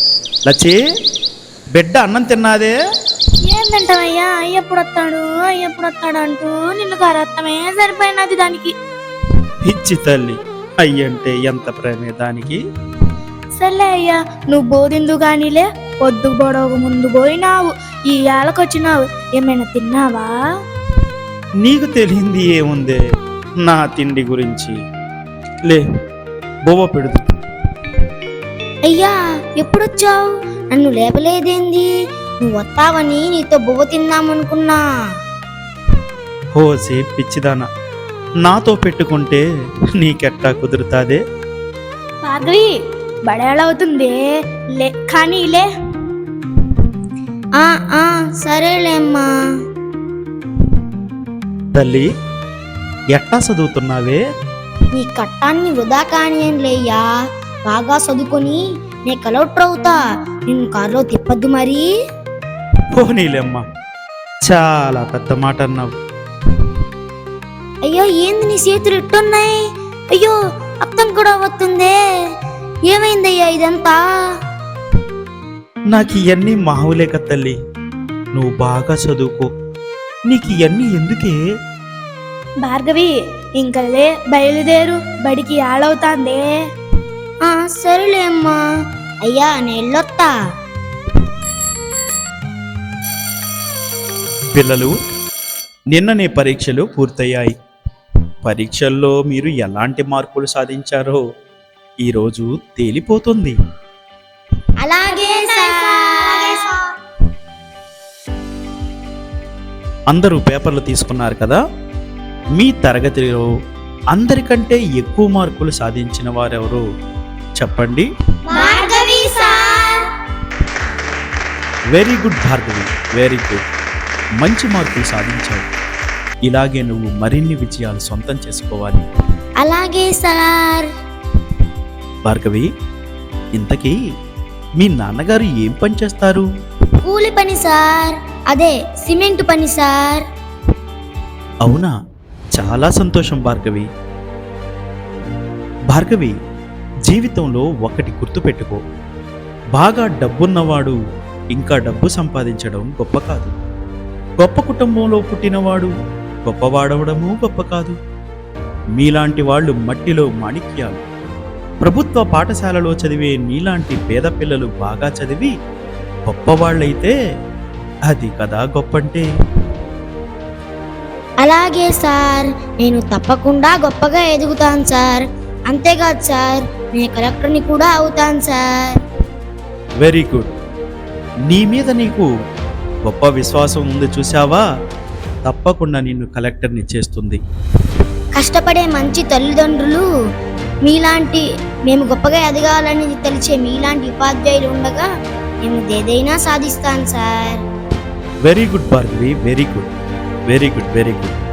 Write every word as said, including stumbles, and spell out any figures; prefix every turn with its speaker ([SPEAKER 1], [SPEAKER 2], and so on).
[SPEAKER 1] లచ్చి, బిడ్డ అన్నం తిన్నాదే?
[SPEAKER 2] ఏం తింటావయ్యా? ఎప్పుడు వస్తాడు ఎప్పుడు వస్తాడు అంటూ నిన్ను కరత్తమే సరిపోయినది దానికి.
[SPEAKER 1] పిచ్చి తల్లి, అయ్యంటే ఎంత ప్రేమే దానికి.
[SPEAKER 2] సర్లే అయ్యా, నువ్వు బోధిందు గానిలే, పొద్దు పొడవు ముందు పోయినావు, ఈ ఏళ్ళకొచ్చినావు, ఏమైనా తిన్నావా?
[SPEAKER 1] నీకు తెలియంది ఏముందే నా తిండి గురించి. లే, బోవ పెడుతు.
[SPEAKER 2] అయ్యా, ఎప్పుడొచ్చావు? నన్ను లేపలేదేంది? నువ్వు వస్తావని నీతో బువ్వ తిందామనుకున్నా.
[SPEAKER 1] హోసే పిచ్చిదానా, నాతో పెట్టుకుంటే నీకెట్టా కుదురుతాదే?
[SPEAKER 2] భార్గవి, బడేళవుతుంది, లే కానీ లే. ఆ ఆ సరేలేమ్మా.
[SPEAKER 1] తల్లి, ఎట్టా చదువుతున్నావే?
[SPEAKER 2] నీ కట్టాన్ని వృధా కానియన్లేయ్యా, బాగా చదువుకొని నే కలెక్టర్ అవుతా, నిన్ను కారులో తిప్పద్దు మరి.
[SPEAKER 1] పోనీలేమ్మా, చాలా పెద్ద మాట అన్నావు.
[SPEAKER 2] అయ్యో, ఏంది నీ చేతులు ఇట్టున్నాయి? అయ్యో, రక్తం కూడా వస్తుందే, ఏమైందయ్యా ఇదంతా?
[SPEAKER 1] నాకు ఇవన్నీ మావులేక తల్లి, నువ్వు బాగా చదువుకో, నీకు ఇవన్నీ ఎందుకే?
[SPEAKER 2] భార్గవి, ఇంకలే బయలుదేరు, బడికి ఆడవుతాందే. ఆ సరేలే అమ్మా. అయ్యా, నేళ్ళొత్తా.
[SPEAKER 1] పిల్లలు, నిన్ననే పరీక్షలు పూర్తయ్యాయి. పరీక్షల్లో మీరు ఎలాంటి మార్కులు సాధించారో ఈరోజు తేలిపోతుంది.
[SPEAKER 2] అలాగే సార్.
[SPEAKER 1] అందరూ పేపర్లు తీసుకున్నారు కదా? మీ తరగతిలో అందరికంటే ఎక్కువ మార్కులు సాధించిన వారెవరో చెప్పండి.
[SPEAKER 2] Bhargavi sir.
[SPEAKER 1] Very good Bhargavi, very good. మంచి మార్కులు సాధించావు. ఇలాగే నువ్వు మరిన్ని విజయాలు సొంతం చేసుకోవాలి.
[SPEAKER 2] అలాగే సార్.
[SPEAKER 1] భార్గవి, ఇంతకీ మీ నాన్నగారు ఏం పని చేస్తారు?
[SPEAKER 2] కూలి పని సార్, అదే సిమెంట్ పని సార్.
[SPEAKER 1] అవునా, చాలా సంతోషం భార్గవి. భార్గవి, జీవితంలో ఒకటి గుర్తుపెట్టుకో, బాగా డబ్బున్నవాడు ఇంకా డబ్బు సంపాదించడం గొప్ప కాదు. గొప్ప కుటుంబంలో పుట్టినవాడు గొప్పవాడవడము గొప్ప కాదు. మీలాంటి వాళ్ళు మట్టిలో మాణిక్యాలు. ప్రభుత్వ పాఠశాలలో చదివే నీలాంటి పేద పిల్లలు బాగా చదివి గొప్పవాళ్ళైతే అది కదా గొప్పంటే.
[SPEAKER 2] అలాగే సార్, నేను తప్పకుండా గొప్పగా ఎదుగుతాను సార్. అంతేకాదు సార్, నేను కలెక్టర్ని కూడా అవుతాను సార్.
[SPEAKER 1] Very good. నీ మీద నీకు గొప్ప విశ్వాసం ఉంది చూసావా? తప్పకుండా నిన్ను కలెక్టర్ని చేస్తుంది.
[SPEAKER 2] కష్టపడే మంచి తల్లిదండ్రులు మీలాంటి, మేము గొప్పగా ఎదగాలని తెలిసే మీలాంటి ఉపాధ్యాయులు ఉండగా నేను ఏదైనా సాధిస్తాను sir.
[SPEAKER 1] Very good Bhargavi, very good, very good, very good.